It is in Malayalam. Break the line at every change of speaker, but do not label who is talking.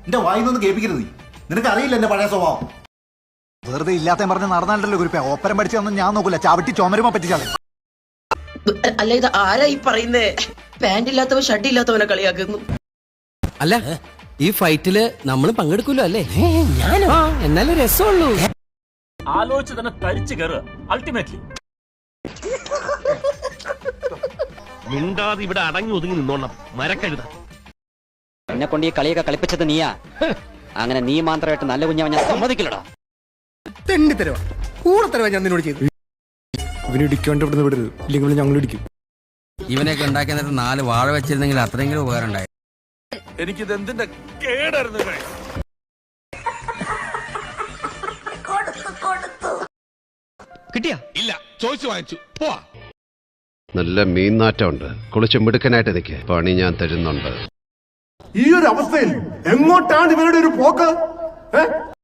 എന്റെ വായിന്നൊന്നും കേൾപ്പിക്കരുത്. നിനക്ക് അറിയില്ല എന്റെ പഴയ സ്വഭാവം.
വെറുതെ ഇല്ലാത്ത പറഞ്ഞ് നടന്നാണ്ടല്ലോ കുരിപ്പ. ഓപ്പരം പഠിച്ചൊന്നും ഞാൻ നോക്കൂല. ചവിട്ടി ചുമരുമ പറ്റിച്ചാൽ.
അല്ല, ഇത് ആരാ ഈ പറയുന്നേ? പാന്റ് ഇല്ലാത്തവൻ ഷഡ് ഇല്ലാത്തവനെ കളിയാക്കുന്നു.
അല്ല, ഈ ഫൈറ്റില് നമ്മൾ പങ്കെടുക്കൂലോ അല്ലേ? ഞാനോ? എന്നാലും രസമുള്ളൂ.
ആലോചിച്ച് തന്നെ തരിച്ചു കയറുക അൾട്ടിമേറ്റ്ലി.
മിണ്ടാതെ ഇവിടെ അടങ്ങി ഒതുങ്ങി നിന്നോണം മരക്കഴുത.
എന്നെ കൊണ്ട് ഈ കളിയൊക്കെ കളിപ്പിച്ചത് നീയാ. അങ്ങനെ നീ മാത്രമായിട്ട് നല്ല കുഞ്ഞാവൻ ഞാൻ സമ്മതിക്കില്ലടാ.
തെണ്ടിത്തരവാ, കൂടെ തരവാ ഞാൻ നിന്നോട് ചെയ്തു.
ഇവന് ഇടിക്കാണ്ട് ഇവിടുന്ന് വിടരുത്, ഇല്ലെങ്കിൽ ഞങ്ങൾ ഇടിക്കും.
ഇവനെയൊക്കെ ഉണ്ടാക്കി എന്നിട്ട് 4 വാഴ വെച്ചിരുന്നെങ്കിൽ അത്രയെങ്കിലും ഉപകാരം ഉണ്ടായി.
എനിക്കിത് എന്തിന്റെ കേടായിരുന്നു.
കിട്ടിയാ? ഇല്ല, ചോദിച്ചു വാങ്ങിച്ചു. പോവാ.
നല്ല മീൻനാറ്റമുണ്ട്. കുളിച്ച് മിടുക്കനായിട്ട് നിൽക്കുക. പണി ഞാൻ തരുന്നുണ്ട്.
ഈ ഒരു അവസ്ഥയിൽ എങ്ങോട്ടാണ് ഇവരുടെ ഒരു പോക്ക്?